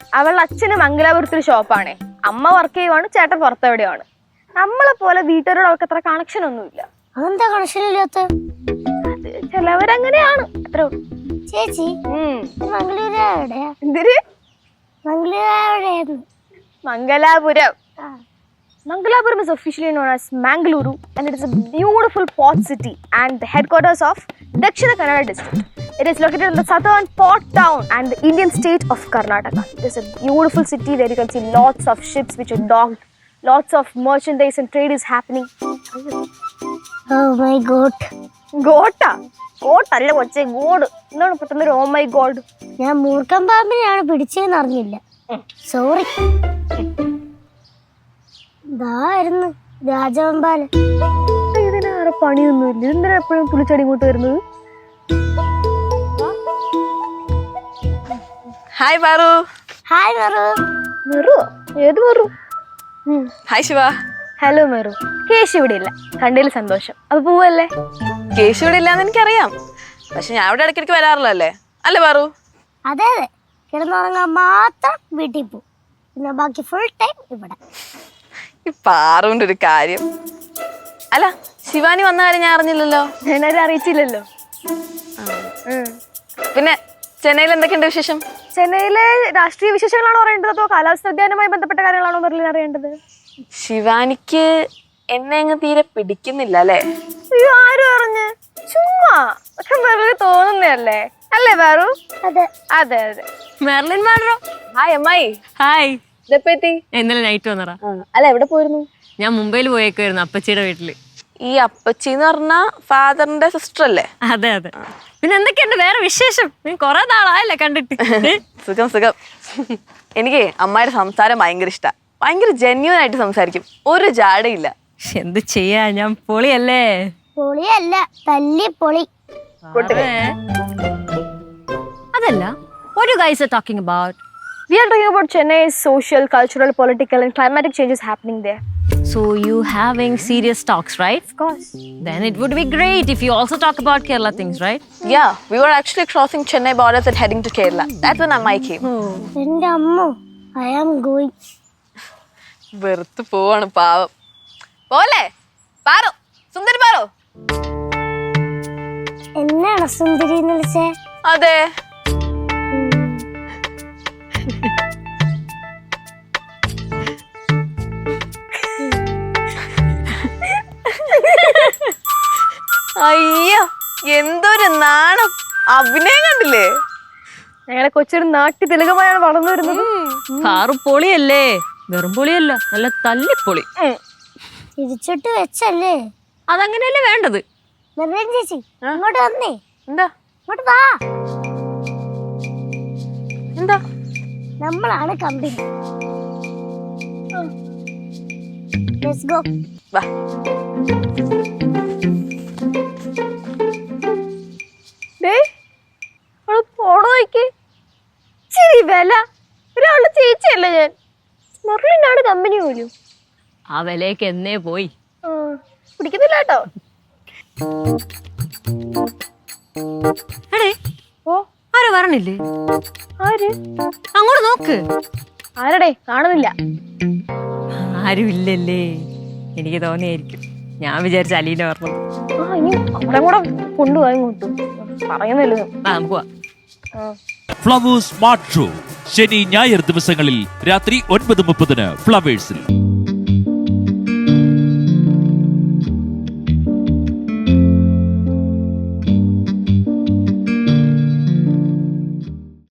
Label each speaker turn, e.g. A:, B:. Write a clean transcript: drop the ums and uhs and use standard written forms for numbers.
A: അവളുടെ അച്ഛന് മംഗലാപുരത്തൊരു ഷോപ്പാണേ. അമ്മ വർക്ക് ചെയ്യുവാണ്, ചേട്ടൻ പുറത്തെവിടെയാണ്. നമ്മളെ പോലെ വീട്ടുകാരോട് അവൾക്ക് അത്ര കണക്ഷൻ ഒന്നുമില്ല.
B: അതെന്താ കണക്ഷൻ ഇല്ലാത്ത?
A: അത് ചിലവരങ്ങനെയാണ്. അത്ര
B: ചേച്ചി മംഗളൂരു എവിടെയാ?
A: എന്തിര്?
B: മംഗളൂരു എവിടെയായിരുന്നു?
A: Mangalapuram. Mangalapuram is officially known as Mangaluru, and it is a beautiful port city and the headquarters of Dakshina Kannada district. It is located in the southern port town and the Indian state of Karnataka. It is a beautiful city where you can see lots of ships which are docked, lots of merchandise and trade is happening.
B: Oh my god.
A: Gota? Goat alla koche god. Ennaanu pettannu oh my god.
B: ഞാൻ മൂർഖൻ പാമ്പിനെയാണ് പിടിച്ചതെന്ന് അറിഞ്ഞില്ല. Sorry. ഇതായിരുന്നു രാജവെമ്പാല.
A: ഇതിനാറ് പണിയൊന്നുമില്ല. എന്തിനാ എപ്പോഴും പുളിച്ചടി ഇങ്ങോട്ട് വരുന്നത്?
C: ഹായ് പാറു.
B: ഹായ് മെറു.
A: മെറു? ഏത് മെറു?
C: ഹായ് ശിവ.
A: ഹലോ മെറു. കേശു ഇവിടെ ഇല്ല, കണ്ടതിൽ സന്തോഷം. അപ്പൊ പോവല്ലേ?
C: കേശു ഇവിടെ ഇല്ലാന്ന് എനിക്കറിയാം, പക്ഷെ ഞാൻ ഇവിടെ ഇടയ്ക്കിടയ്ക്ക് വരാറില്ല അല്ലേ അല്ലേ പാറു?
B: അതെ അതെ, കിടന്നുറങ്ങാൻ മാത്രം വീട്ടിൽ പോകും, പിന്നെ ബാക്കി ഫുൾ ടൈം ഇവിടെ.
C: ഈ പാറുവിന്റെ ഒരു കാര്യം. അല്ല, ശിവാനി വന്ന കാര്യം ഞാൻ അറിഞ്ഞില്ലല്ലോ.
A: ഞാനത് അറിയിച്ചില്ലല്ലോ.
C: പിന്നെ ചെന്നൈയിൽ എന്തൊക്കെയുണ്ട് വിശേഷം?
A: ചെന്നൈയിലെ രാഷ്ട്രീയ വിശേഷങ്ങളാണോ അറിയേണ്ടത്, അതോ കാലാവസ്ഥ വ്യതിയാനവുമായി ബന്ധപ്പെട്ട കാര്യങ്ങളാണോ മെർലിൻ അറിയേണ്ടത്?
C: ശിവാനിക്ക് എന്നെ അങ്ങ് തീരെ പിടിക്കുന്നില്ല അല്ലേ?
A: അയ്യോ, ആരും അറിഞ്ഞ്? ചുമ്മാ ഒക്കെ മെർലിന് തോന്നുന്നല്ലേ അല്ലേ പാറു?
B: അതെ
A: അതെ അതെ.
D: മെർലിൻ മാഡറോ?
C: ഹായ് അമ്മായി.
D: ഹായ്.
C: ഇതെപ്പോ എത്തി?
D: ഇന്നലെ നൈറ്റ് വന്നറാ.
C: അല്ല, എവിടെ പോയിരുന്നു?
D: ഞാൻ മുംബൈയിൽ പോയേക്കായിരുന്നു, അപ്പച്ചിയുടെ വീട്ടില്.
C: ഈ അപ്പച്ചി എന്ന് പറഞ്ഞ ഫാദറിന്റെ സിസ്റ്റർ അല്ലേ?
D: അതെ അതെ. പിന്നെ എന്തൊക്കെയുണ്ട് വേറെ വിശേഷം? നീ കൊറേ നാളായല്ലേ കണ്ടിട്ട്.
C: സുഖം സുഖം. എനിക്ക് അമ്മായിയുടെ സംസാരം ഭയങ്കര ഇഷ്ടാ. ഭയങ്കര ജെന്യൂൻ ആയിട്ട് സംസാരിക്കും, ഒരു ജാടയില്ല.
D: എന്ത് ചെയ്യാ, ഞാൻ പൊളിയല്ലേ?
B: പൊളിയല്ല, തല്ലിപ്പൊളി.
D: അതല്ല, what you guys are talking about?
A: We are talking about Chennai's social, cultural, political and climatic changes happening there.
D: So you having serious talks, right?
A: Of course.
D: Then it would be great if you also talk about Kerala things, right?
C: Yeah, we were actually crossing Chennai borders and heading to Kerala. That's when Ammai came.
B: എന്റെ അമ്മ, I am going.
C: വെറുത്ത് പോവാണ് പാവം. പോലെ പാറു, സുന്ദരി പാറു.
B: എന്നാണ് സുന്ദരി എന്ന് വിളിച്ചേ?
C: അതെ. അയ്യോ, എന്തൊരു നാണം. അഭിനയം കണ്ടില്ലേ?
A: ഞങ്ങളെ കൊച്ചൊരു നാട്ടി തിലകമായാണ് വളർന്നു വരുന്നത്.
D: കാറു പൊളിയല്ലേ? വെറും പൊളിയല്ല, നല്ല തല്ലിപ്പൊളി.
B: തിരിച്ചിട്ട് വെച്ചല്ലേ?
D: അതങ്ങനെയല്ലേ വേണ്ടത്.
B: മെർലിൻ ചേച്ചി ഇങ്ങോട്ട് വന്നേ.
C: എന്താ?
B: ഇങ്ങോട്ട് വാ.
C: എന്താ?
B: നമ്മളാണ് കമ്പനി. Let's go.
C: വാ.
A: വില ഒരാളുടെ ചേച്ചിയല്ലേ ഞാൻ. മെർലിനാണ് കമ്പനി പോലും.
D: ആ വിലയൊക്കെ എന്നേ പോയി.
A: പിടിക്കുന്നില്ല കേട്ടോ.
D: എടേ,
A: ഓ
D: ആരോ പറഞ്ഞില്ലേ?
A: ആര്?
D: അങ്ങോട്ട് നോക്ക്.
A: ആരടേ? കാണുന്നില്ല.
D: ആരും ഇല്ലല്ലേ? എനിക്ക് തോന്നിയായിരിക്കും. ഞാൻ വിചാരിച്ച അലീന പറഞ്ഞു.
A: ഇനി അവിടെ കൂടെ കൊണ്ടുപോയി ഇങ്ങോട്ടും പറയുന്നല്ലോ.
D: പോവാ.
E: ഫ്ലവേഴ്സ് സ്മാർട്ട് ഷോ ശനി ഞായർ ദിവസങ്ങളിൽ രാത്രി 9:30 ഫ്ലവേഴ്സിൽ.